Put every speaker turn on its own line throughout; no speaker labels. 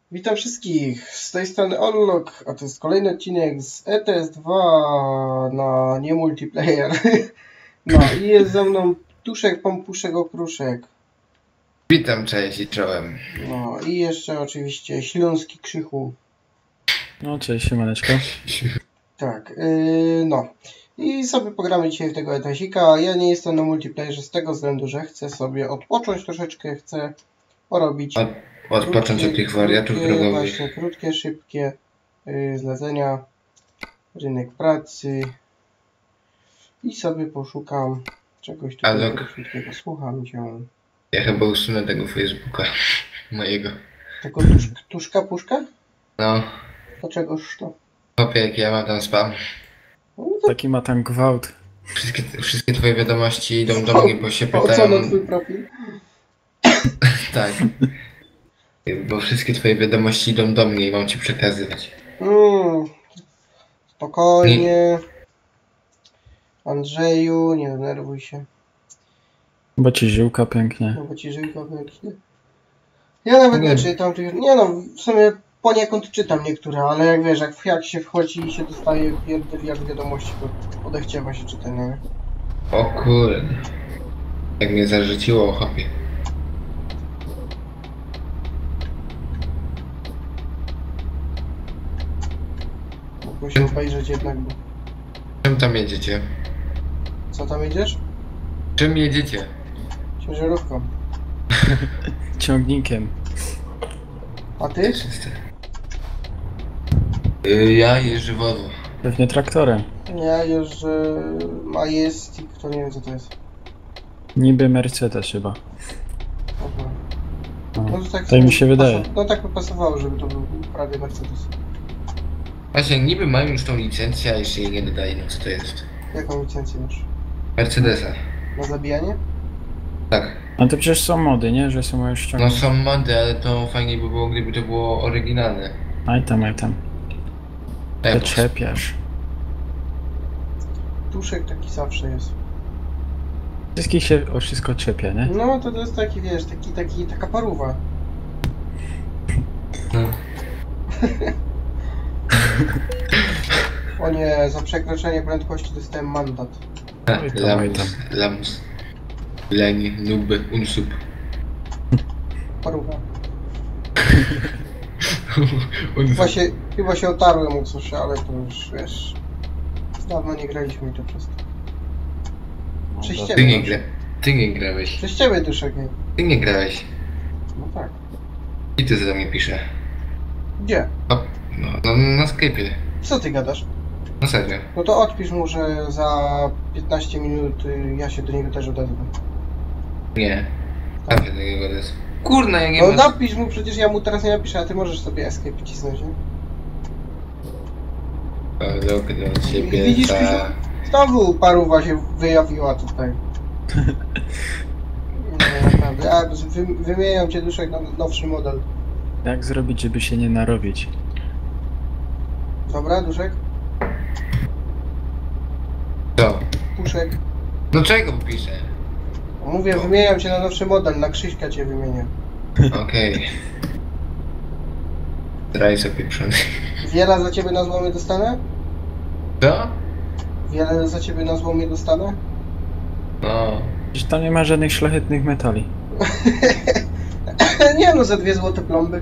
Witam wszystkich, z tej strony Onlok, a to jest kolejny odcinek z ETS2 na nie multiplayer. No i jest ze mną Tuszek, Pompuszek, Okruszek.
Witam, cześć i czołem.
No i jeszcze oczywiście Śląski Krzychu.
No cześć, siemaneczko.
Tak, no. I sobie pogramy dzisiaj w tego ETS-ika. Ja nie jestem na multiplayerze z tego względu, że chcę sobie odpocząć troszeczkę, chcę porobić...
Odpocząć od tych wariatów drogowych.
Właśnie, krótkie, szybkie zlecenia, rynek pracy i sobie poszukam czegoś tutaj krótkiego. Słucham cię.
Ja chyba usunę tego Facebooka mojego.
Tego tuszka puszka?
No.
Dlaczegoż to?
Chłopie, jak ja mam tam spam.
No to...
Taki ma tam gwałt.
Wszystkie twoje wiadomości idą do mnie, bo się pytają...
O co na twój profil?
Tak. Bo wszystkie twoje wiadomości idą do mnie i mam ci przekazywać.
Spokojnie. Andrzeju, nie denerwuj się.
Bo ci żyłka pięknie.
No bo ci żyłka pięknie. Ja nawet nie czytam tych... Nie no, w sumie poniekąd czytam niektóre, ale jak wiesz, jak się wchodzi i się dostaje jak wiadomości, to odechciewa się czytania, nie?
O kurde. Jak mnie zarzuciło, chłopie.
Mogę się obejrzeć jednak, bo...
Czym tam jedziecie?
Co tam jedziesz?
Czym jedziecie?
Ciężarówką.
Ciągnikiem.
A ty?
Ja jeżdżę Volvo.
Pewnie traktorem.
Ja jeżdżę Majestic, to nie wiem co to jest.
Niby Mercedes chyba.
Aha.
No,
to tak
mi się wydaje.
No tak by pasowało, żeby to był prawie Mercedes.
Właśnie, niby mają już tą licencję, a jeszcze jej nie dodaję, no co to jest?
Jaką licencję masz?
Mercedesa.
Na zabijanie?
Tak.
A to przecież są mody, nie? Że są już
No
ściągnięte.
są mody, ale to fajnie by było, gdyby to było oryginalne.
Aj tam.
Epos.
Zaczepiasz.
Tuszek taki zawsze jest.
Wszystkich się o wszystko czepia, nie?
No to jest taki, wiesz, taka paruwa.
No.
O nie, za przekroczenie prędkości dostałem mandat.
Oj tam.
Lamus. Leń, nub, unsub.
Paruwa. Chyba się otarłem o coś, ale to już wiesz. Dawno nie graliśmy i to przez to. Przez ciebie.
Ty nie grałeś.
Przez ciebie Duszek.
Ty nie grałeś.
No tak.
I ty za mnie pisze.
Gdzie?
O, no na Skype'ie.
Co ty gadasz?
No serio.
No to odpisz mu, że za 15 minut ja się do niego też odezwę.
Nie. Tak się takiego jest. Kurna, jak nie
No
masz...
napisz mu, przecież ja mu teraz nie napiszę, a ty możesz sobie escape wcisnąć, nie?
Lok do ciebie,
Widzisz,
ta...
znowu paruwa się wyjawiła tutaj. Nie, naprawdę. Ja wymieniam cię Duszek na nowszy model.
Jak zrobić, żeby się nie narobić?
Dobra, Duszek?
Co?
Puszek?
No czego piszę?
Mówię, wymieniam cię na nowszy model, na Krzyśka cię wymienię.
Okej. Draj sobie pieprzony.
Wiele za ciebie na złomie dostanę?
Co?
Wiele za ciebie na złomie dostanę?
No.
Przecież tam nie ma żadnych szlachetnych metali.
Nie no, za 2 złote plomby.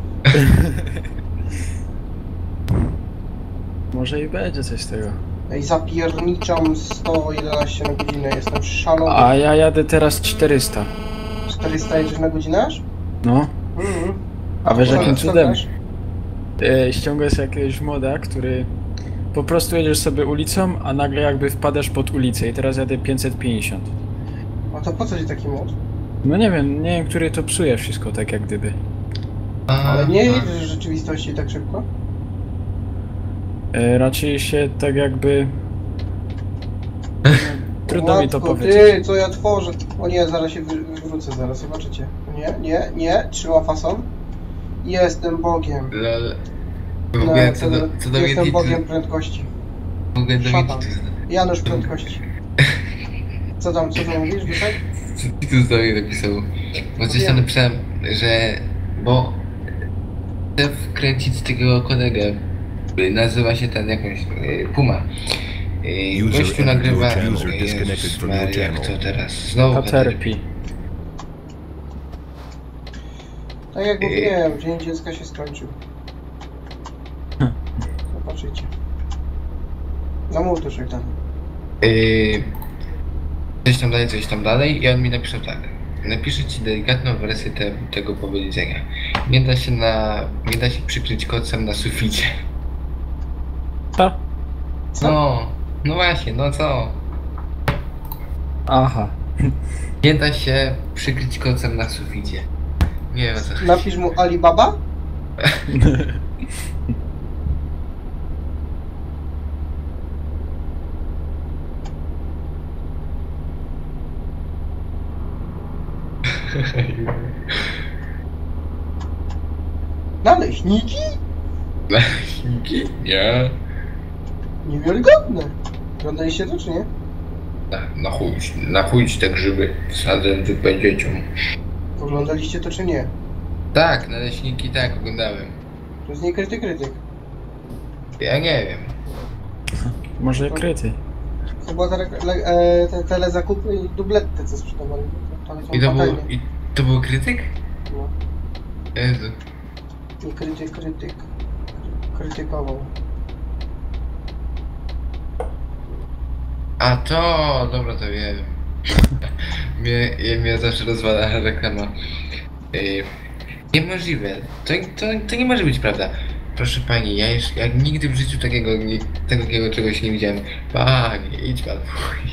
Może i będzie coś z tego.
I zapierniczam 111 na godzinę, jestem szalony.
A ja jadę teraz 400.
400 jedziesz na godzinę aż?
No. A wiesz jakim cudem?
Ściągasz?
Ściągasz jakiegoś moda, który po prostu jedziesz sobie ulicą, a nagle jakby wpadasz pod ulicę i teraz jadę 550.
A to po co ci taki mod?
No nie wiem, który to psuje wszystko tak jak gdyby.
Ale nie jedziesz w rzeczywistości tak szybko?
Raczej się tak jakby... Trudno mi to powiedzieć.
Ty, co ja tworzę? O nie, zaraz się wywrócę, zaraz zobaczycie. Nie, trzyma fason. Jestem Bogiem.
Lol. W ogóle co do
Jestem
mnie
Bogiem prędkości.
W ogóle do
Szatan.
mnie
Janusz prędkości. Co tam mówisz, Duszek?
Co ty tu z mnie napisał? Bo coś tam napisałem, że... Bo... chcę wkręcić z tego kolegę. Nazywa się ten jakąś Puma. Gościu nagrywa... Jezus Maria, jak to teraz? Znowu
Caterpie.
Tak jak mówiłem, dzień dziecka się skończył. Zobaczycie. Zamów dalej.
Coś tam dalej i on mi napisze tak. Napiszę ci delikatną wersję tego powiedzenia. Nie da się przykryć kocem na suficie.
Co?
No właśnie, no co?
Aha.
Nie da się przykryć kocem na suficie. Nie wiem o co chodzi.
Napisz mu Alibaba? Naleśniki?
Naleśniki? Nie.
Niewiarygodne. Oglądaliście to, czy nie?
Na chuj te grzyby wsadzę tylko dzieciom.
Oglądaliście to, czy nie?
Tak, naleśniki tak, oglądałem.
To jest nie krytyk.
Ja nie wiem.
Może kryty.
Chyba te telezakupy i dublety, co sprzedawali.
I to był krytyk?
No.
Jezu.
Nie krytyk. Krytykował.
A to, dobra, to wiem. mnie zawsze rozwala reklama. Niemożliwe. To nie może być prawda. Proszę pani, ja nigdy w życiu takiego czegoś nie widziałem. Pani, idź pan.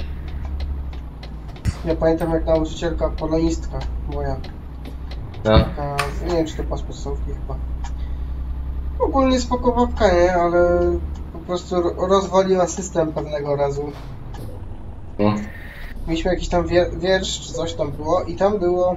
Ja pamiętam jak nauczycielka, polonistka moja.
No.
Taka, nie wiem czy to pas podstawówki chyba. Ogólnie spoko babka, nie? Ale po prostu rozwaliła system pewnego razu.
No.
Mieliśmy jakiś tam wiersz, czy coś tam było i tam było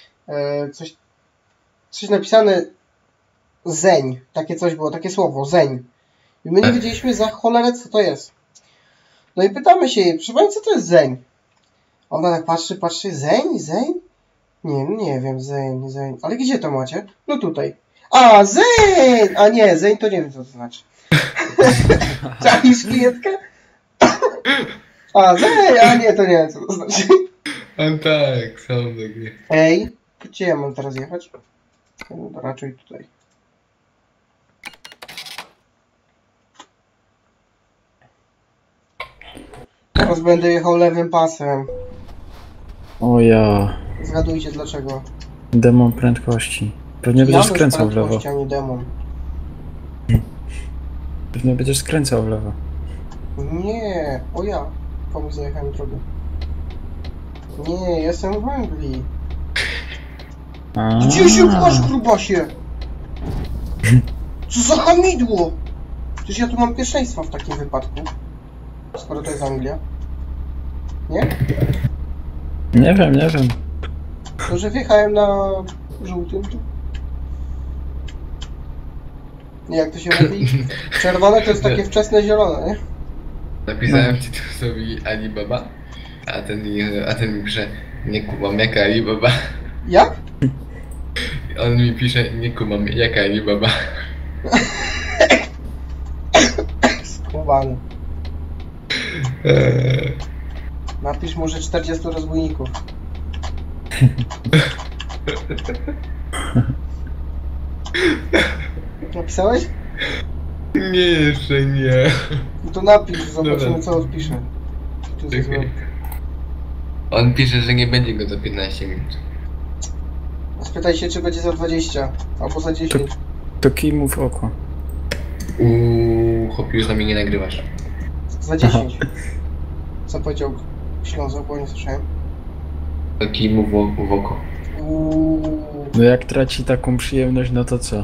coś napisane zeń. Takie coś było, takie słowo, zeń. I my nie wiedzieliśmy za cholerę co to jest. No i pytamy się jej, proszę pani, co to jest zeń? Ona tak patrzy, zeń? Nie wiem, zeń. Ale gdzie to macie? No tutaj. A, zeń! A nie, zeń to nie wiem co to znaczy. Czaisz klientkę? A, zeń! A nie, to nie wiem co to znaczy.
A tak, są takie.
Ej, gdzie ja mam teraz jechać? No, raczej tutaj. Teraz będę jechał lewym pasem.
O ja.
Zgadujcie dlaczego.
Demon prędkości. Pewnie będziesz skręcał w lewo.
A nie demon.
Pewnie będziesz skręcał w lewo.
Nie, o ja. Komuś zajechałem drogę. Nie, jestem w Anglii. Gdzie się pchasz, grubasie? Co za hamidło? Przecież ja tu mam pierwszeństwo w takim wypadku. Skoro to jest Anglia. Nie?
Nie wiem.
To, że wjechałem na żółtym tu. Nie, jak to się mówi? Czerwone to jest takie wczesne zielone, nie?
Napisałem ci to sobie Alibaba, a ten mi pisze, nie kumam jaka Alibaba.
Jak?
On mi pisze, nie kumam jaka Alibaba.
Skubany. Napisz może 40 rozbójników. Napisałeś?
Nie, jeszcze nie.
No to napisz, zobaczymy
Dobra.
co odpisze. To jest złe.
On pisze, że nie będzie go za 15 minut.
Spytaj się, czy będzie za 20 albo za 10.
To kij mu w oko.
Chłopie, już na mnie nie nagrywasz.
Za 10. Co powiedział Ślązok, bo nie słyszałem.
Kij mu w oko.
No jak traci taką przyjemność, no to co?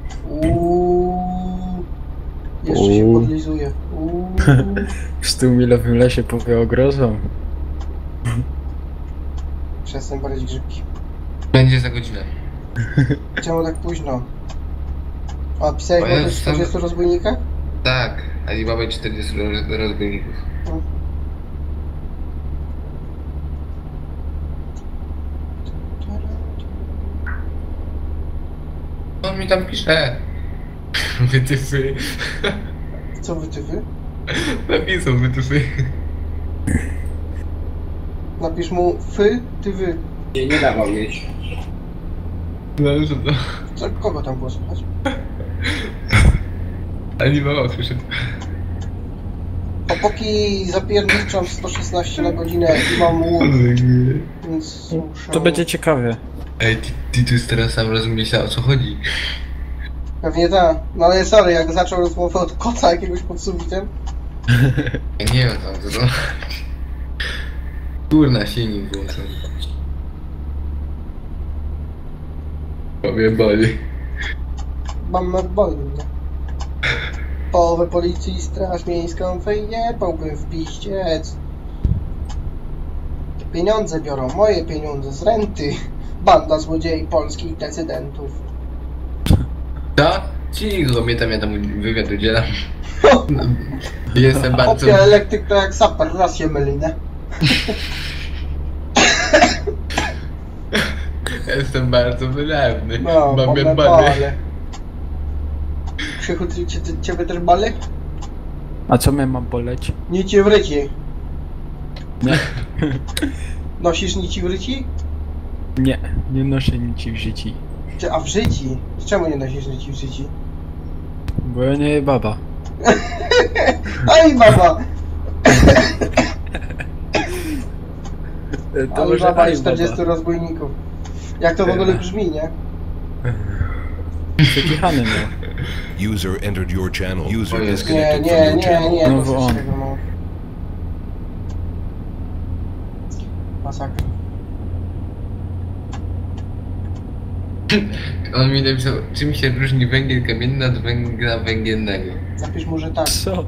Jeszcze się podlizuje.
W 100-milowym lesie powie ogrozą.
Przestań badać grzybki.
Będzie za godzinę.
Czemu tak późno? A pisałeś o tych 40 rozbójnikach?
Tak, Alibaba i 40 rozbójników. On mi tam pisze. Wytyfy.
Co wytyfy?
Napisał wytyfy.
Napisz mu fy, ty wy.
Nie dawał mieć.
No, że to...
Co, kogo tam było słychać?
Ani mama słyszeć.
Opóki zapierniczam 116 na godzinę i mam łuk, więc muszę...
To będzie ciekawe.
Ej, Titus teraz sam rozumiesz, o co chodzi.
Pewnie tak. No ale sorry, jak zaczął rozmowę od kota jakiegoś pod sufitem.
Ja nie wiem tam, co to... Kurna, silnik włączony. Powiem bali.
Mam nadboli, nie? Połowę policji, straż miejską wyjebałbym w piździec. Pieniądze biorą, moje pieniądze z renty. Banda złodziei polskich decydentów.
Co? Cicho, ja tam wywiad udzielam. Jestem bardzo...
Opia elektryk to jak saper, raz się myli, nie?
Jestem bardzo wylewny.
No,
Mam
mamy
jak bany.
bale. Krzychu, ciebie też bale?
A co mnie ma boleć?
Nic ci w ryci.
Nie.
Nosisz nici w ryci?
Nie, nie noszę nic w życiu.
A w życi? Czemu nie nosisz nici w życi?
Bo ja nie baba.
Aj baba!
To
Ale
może
baba
aj
i 40 rozbójników. Jak to w ogóle brzmi, nie?
Przekichany no.
User entered your channel. User
Nie,
disconnected
Nie,
from your
nie,
channel.
nie,
No
to
bo
coś
on.
tego mało. Masakra.
On mi napisał, czym się różni węgiel kamienny od węgla węgielnego.
Napisz mu, że tak.
Co?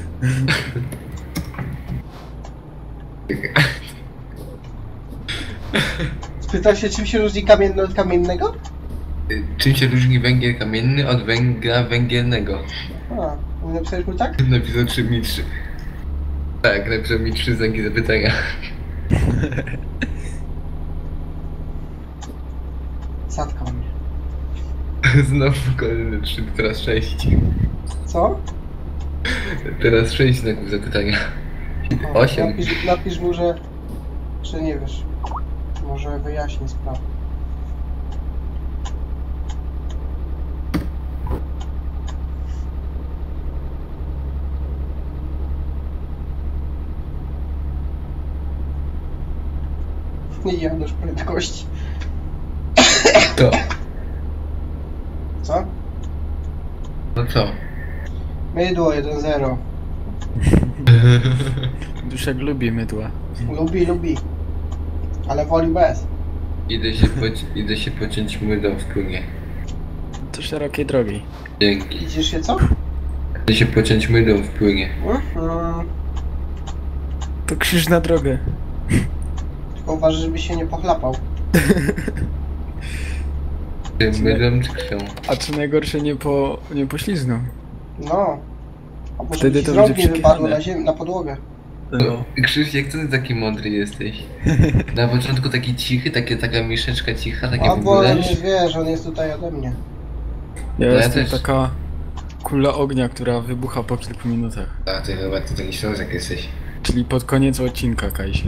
Spytał się, czym się różni kamienny od kamiennego?
Czym się różni węgiel kamienny od węgla węgielnego?
A, napisałeś mu tak?
Napisał 3 mi 3. Tak, napisał mi 3 znaki zapytania.
Zatkał mnie.
Znowu kolejne 3, teraz 6.
Co?
Teraz 6 znaków zapytania.
O,
8.
Napisz mu, że nie wiesz. Może wyjaśni sprawę. Nie Janusz prędkości.
To.
Co?
No co?
Mydło 1-0.
Duszek lubi mydła.
Lubi. Ale woli bez.
Idę się pociąć mydą w płynie.
To szerokiej drogi.
Dzięki.
Idziesz się co?
Idę się pociąć mydą w płynie.
To krzyż na drogę.
Tylko uważaj, żeby się nie pochlapał.
Tym mydą czy krwią?
A co najgorsze nie poślizgnął.
No. A może
Wtedy
ci
to
z rąk
będzie
nie wypadło
przekichane.
na podłogę.
No.
Krzysiek, co ty taki mądry jesteś? Na początku taki cichy, taka miszeczka cicha, takie
A
w
bo
ogóle.
nie wiesz, on jest tutaj ode mnie.
Ja
ja
jestem
też.
taka kula ognia, która wybucha po kilku minutach.
A ty chyba ty taki ślązak jesteś.
Czyli pod koniec odcinka, Kajsie.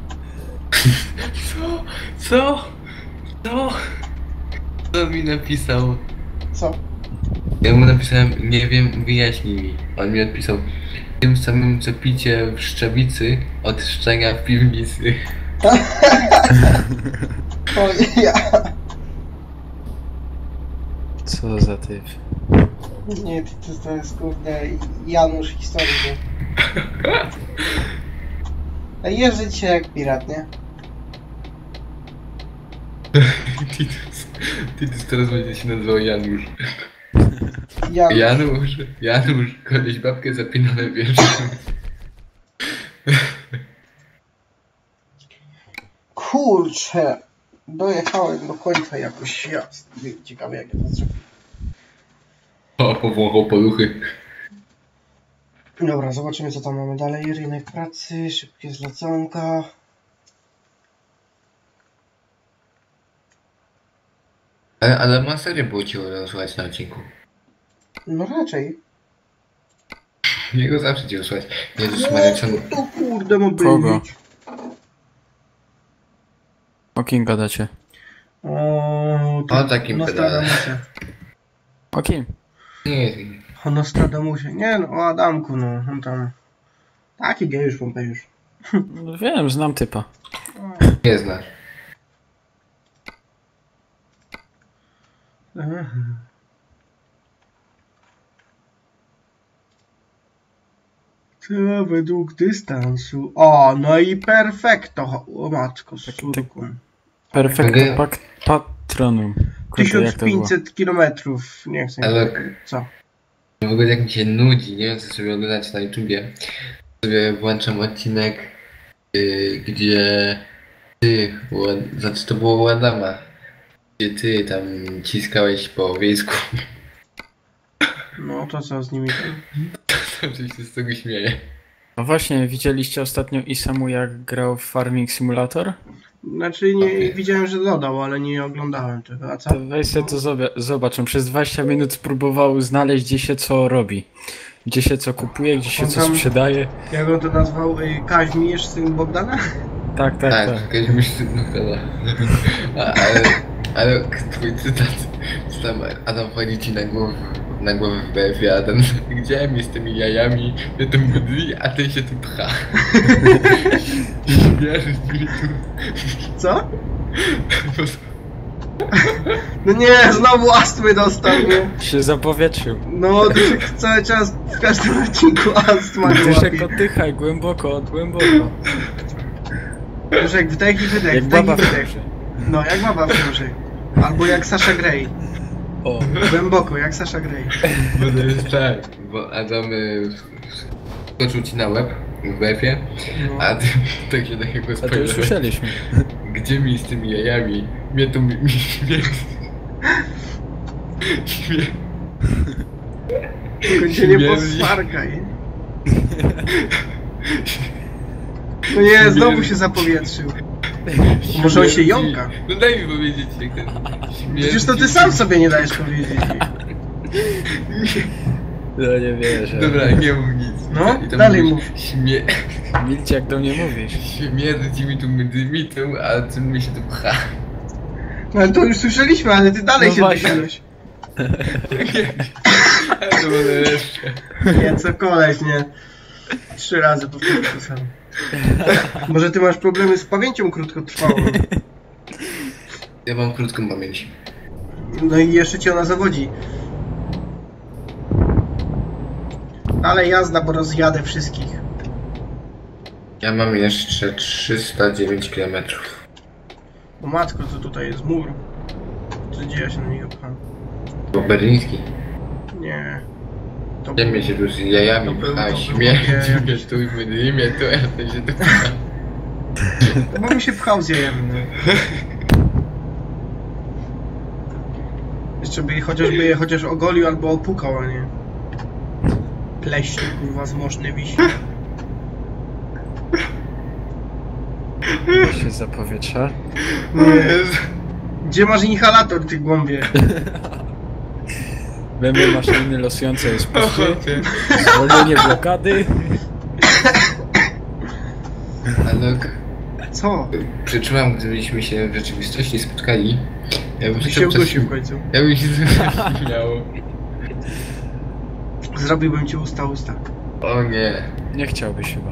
Co? Co? Co? Co mi napisał?
Co?
Ja mu napisałem, nie wiem, wyjaśnij mi. On mi odpisał, tym samym co picie w Szczawicy od szczenia w piwnicy.
O, ja.
Co za typ.
Nie, to jest kurde Janusz historii, nie? A jeżdżę dzisiaj jak pirat, nie?
Titus teraz będzie się nazywał Janusz.
Janusz.
Janusz, koleś babkę zapina na wierzchu.
Kurczę, dojechałem do końca jakoś. Ja, ciekawe jak ja to zrobię.
O, powąchał poluchy.
Dobra, zobaczymy co tam mamy dalej. Rynek pracy, szybkie zleconka.
Ale masakra było cię rozsłuchać na odcinku.
No raczej.
Jego zawsze cię usłać. Jezus Maria, co...
No to kurde ma
Kogo?
być.
O kim gadacie?
O
takim
Nostradamusie.
O kim?
Nie,
O Nostradamusie. Nie no, o Adamku, no. On tam... Taki gejusz, pompejusz.
No wiem, znam typa.
nie znasz.
Tyle według dystansu. O, no i perfekto. O matko, surku.
Perfekto
Mogę-
patronum. Kurde, jak to było?
1500 kilometrów. Nie chcę.
Ale
Co?
w ogóle jak mi się nudzi, nie wiem co sobie oglądać na YouTubie, sobie włączam odcinek, gdzie ty, znaczy to było u Adama, gdzie ty tam ciskałeś po wiejsku.
No to co z nimi?
Zawsze się z tego śmieję.
No właśnie, widzieliście ostatnio Isamu jak grał w Farming Simulator?
Znaczy nie
Okej.
widziałem, że dodał, ale nie oglądałem tego. A co?
To weź sobie to zobacz, on przez 20 minut spróbował znaleźć gdzie się co robi. Gdzie się co kupuje, gdzie się
On
co
tam-
sprzedaje.
Jak on to nazwał? Kaźmierz, syn Bogdana?
Tak.
Jakaś myśl, no chyba. Ale twój cytat, co tam Adam wchodzi ci na głowę w BF-ie, a ten, gdzie mi z tymi jajami, mnie to mydli, a ten się tu pcha. Wiesz,
Co? No nie, znowu astmy dostał, nie?
Się zapowietrzył.
No, Duszek cały czas w każdym odcinku astma go
Duszek
łapie.
oddychaj, głęboko.
Duszek wdech i wydech,
Jak
wdech i
baba w
wydech.
ciąży.
No, jak baba w ciąży. Albo jak Sasha Grey.
O,
Głęboko, jak Sasha Grey.
Bo to jest tak, bo Adam skoczył ci na łeb w BF-ie,
No.
a ty tak się takiego
a to już
spojrzałeś.
słyszeliśmy.
Gdzie mi z tymi jajami? Mnie to mi śmierć.
Tylko się nie
Śmierdzi.
posmarkaj. No nie, znowu się zapowietrzył. Może on się jąka?
No daj mi powiedzieć, jak ten
Przecież to ty sam sobie nie dajesz powiedzieć.
No nie wierzę.
Dobra, nie mów nic.
No,
I tam
dalej
mówisz,
mów.
Milcie jak do mnie mówisz.
Śmierdzi mi tu mydymitą, a ty mi się tu pcha.
No ale to już słyszeliśmy, ale ty dalej
No
się
właśnie.
dogadałeś.
A to będę jeszcze.
Nie, co koleś, nie. 3 razy powtórzył to samo. Może ty masz problemy z pamięcią krótkotrwałą.
Ja mam krótką pamięć.
No i jeszcze cię ona zawodzi. Ale jazda, bo rozjadę wszystkich.
Ja mam jeszcze 309 km.
O matko, co tutaj jest mur. Gdzie ja się na niego pcham?
Bo berliński.
Nie. To
Gdzie mnie się tu z jajami
To był-
pcha,
to był
śmierdzi
takie-
mnie tu i mydli mnie tu, a ten się tu pcha.
Bo bym się pchał z jajami, no. Jeszcze by je chociaż ogolił albo opukał, a nie. Pleśny, kurwa, zmożny wisi.
To się zapowietrza.
Gdzie masz inhalator, ty głąbie?
Będę maszyny losujące jest
O
puszczy.
chłopie.
Zwolnienie blokady.
Ale
Co?
przeczułam, gdybyśmy się w rzeczywistości spotkali, ja bym
Ty się
chciał coś...
udusił w końcu.
Ja bym się coś śmiało.
Zrobiłbym ci usta.
O nie.
Nie chciałbyś chyba.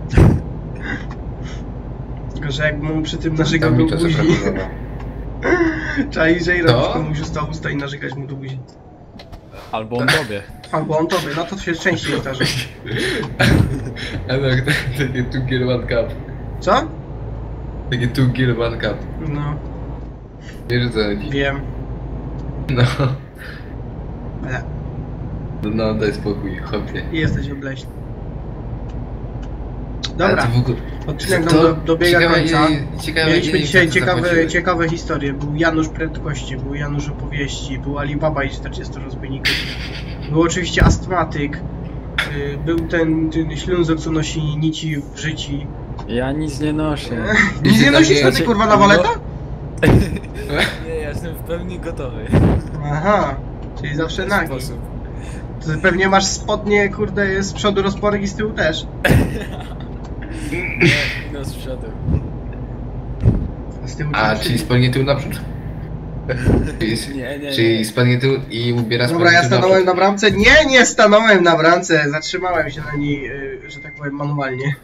Tylko, że jakbym mu przy tym narzekał
Tam
do
mi to
buzi.
zaproponowało.
Czai, że
To?
robić komuś usta i narzekać mu do buzi.
Albo on tobie.
Albo on tobie, no to się częściej zdarzy.
Ale takie 2 gear 1 cup.
Co?
Takie 2 gear 1 cup.
No,
Wiesz o co chodzi?
wiem.
No.
Ale
No daj spokój, chłopie.
jesteś obleśny.
Ale
Dobra,
to w ogóle...
odcinek nam
to
dobiega
ciekawe,
końca.
ciekawe,
Mieliśmy
ile
dzisiaj
to zapłaciłeś.
ciekawe historie. Był Janusz Prędkości, był Janusz Opowieści, był Alibaba i 40 rozbójników. Był oczywiście Astmatyk. Był ten ślązok, co nosi nici w życiu.
Ja nic nie noszę.
Nic nie nosisz,
Znaczy,
ty kurwa na waleta?
Nie, ja jestem w pełni gotowy.
Aha, czyli zawsze
W ten
nagi.
sposób.
Ty pewnie masz spodnie, kurde, z przodu rozporek i z tyłu też.
Nie, no z przodu.
A z tyłu
A, czyli spadnie tył naprzód?
Nie.
Czyli spadnie tył i ubiera
Dobra, ja
tył
stanąłem
naprzód.
na bramce. Nie stanąłem na bramce. Zatrzymałem się na niej, że tak powiem, manualnie.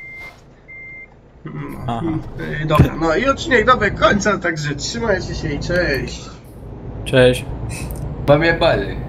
Aha.
Dobra, no i odcinek dobiegł końca, także trzymajcie się i cześć.
Cześć.
Pamiętaj.